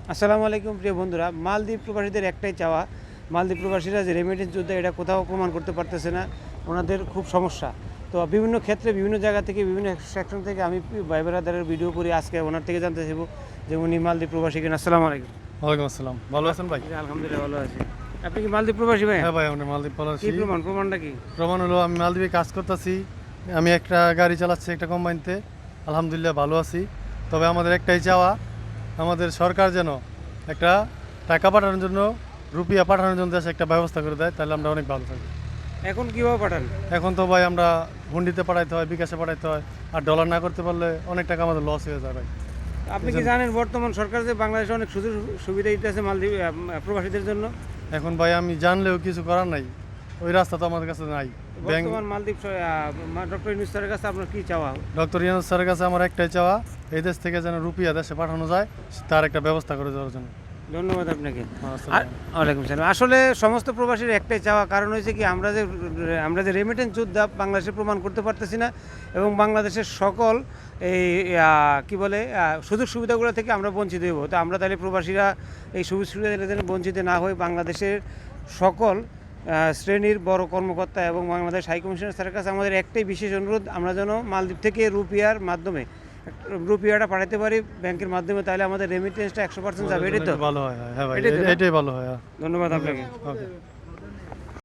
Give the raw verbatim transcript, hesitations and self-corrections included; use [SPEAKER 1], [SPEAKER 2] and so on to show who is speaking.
[SPEAKER 1] আসসালামু আলাইকুম প্রিয় বন্ধুরা। মালদ্বীপ প্রবাসীদের একটাই চাওয়া, মালদ্বীপ প্রবাসীরা যে রেমিটেন্স যোদ্ধা এটা কোথাও প্রমাণ করতে পারতেছে না, ওনাদের খুব সমস্যা। তো বিভিন্ন ক্ষেত্রে বিভিন্ন জায়গা থেকে বিভিন্ন সেকশন থেকে আমি ভাই ব্রাদারের ভিডিও করি, আজকে ওনার থেকে জানতে চাইব যে উনি মালদ্বীপ প্রবাসী কিনা। আসসালামু আলাইকুম।
[SPEAKER 2] ওয়ালাইকুম আসসালাম। ভালো আছেন ভাই?
[SPEAKER 1] জি, আলহামদুলিল্লাহ ভালো আছি। আপনি কি মালদ্বীপ প্রবাসী ভাই?
[SPEAKER 2] হ্যাঁ ভাই, আমি মালদ্বীপ ভালো আছি।
[SPEAKER 1] কি প্রমাণ প্রমাণটা কি?
[SPEAKER 2] প্রমাণ হলো আমি মালদ্বীপে কাজ করতেছি, আমি একটা গাড়ি চালাচ্ছি একটা কোম্পানিতে, আলহামদুলিল্লাহ ভালো আছি। তবে আমাদের একটাই চাওয়া, আমাদের সরকার যেন একটা টাকা পাঠানোর জন্য, রুপিয়া পাঠানোর জন্য দেশে একটা ব্যবস্থা করে দেয়, তাহলে আমরা অনেক ভালো থাকি।
[SPEAKER 1] এখন কিভাবে পাঠান?
[SPEAKER 2] এখন তো ভাই আমরা হুন্ডিতে পাঠাইতে হয়, বিকাশে পাঠাইতে হয়, আর ডলার না করতে পারলে অনেক টাকা আমাদের লস হয়ে যায় ভাই।
[SPEAKER 1] আপনি কি জানেন বর্তমান সরকার যে বাংলাদেশে অনেক সুযোগ সুবিধা দিতেছে মালদ্বীপ আহ, প্রবাসীদের জন্য?
[SPEAKER 2] এখন ভাই আমি জানলেও কিছু করার নাই, ওই রাস্তা তো আমাদের কাছে নাই। ব্যাংক
[SPEAKER 1] বর্তমান মালদ্বীপ ডক্টর ইউনূস স্যারের কাছে আপনার কি চাওয়া?
[SPEAKER 2] ডক্টর ইউনূস স্যারের কাছে আমার একটাই চাওয়া, এই দেশ থেকে যেন রুপিয়া দেশে পাঠানো যায়, তার একটা ব্যবস্থা করে দেওয়ার জন্য।
[SPEAKER 1] ধন্যবাদ আপনাকে।
[SPEAKER 2] আসসালামু
[SPEAKER 1] আর- ওয়ালাইকুম সালাম। আসলে সমস্ত প্রবাসীর একটাই চাওয়া, কারণ হয়েছে কি আমরা যে আমরা যে রেমিটেন্স যোদ্ধা বাংলাদেশে প্রমাণ করতে পারতেছি না, এবং বাংলাদেশের সকল এই আহ, কি বলে আহ, সুযোগ সুবিধাগুলো থেকে আমরা বঞ্চিত হইব। তো আমরা তাহলে প্রবাসীরা এই সুযোগ সুবিধা যেন বঞ্চিত না হয়ে বাংলাদেশের সকল আহ, শ্রেণীর বড় কর্মকর্তা এবং বাংলাদেশ হাই কমিশনার স্যারের কাছে আমাদের একটাই বিশেষ অনুরোধ, আমরা যেন মালদ্বীপ থেকে রুপিয়ার মাধ্যমে রুপিয়াটা পাঠাতে পারি ব্যাংকের মাধ্যমে, তাহলে আমাদের রেমিটেন্সটা একশো পার্সেন্ট যাবে। এটাই তো
[SPEAKER 2] ভালো হয়। হ্যাঁ ভাই,
[SPEAKER 1] এটাই তো না?
[SPEAKER 2] এটাই ভালো হয়।
[SPEAKER 1] ধন্যবাদ আপনাকে।
[SPEAKER 2] ওকে।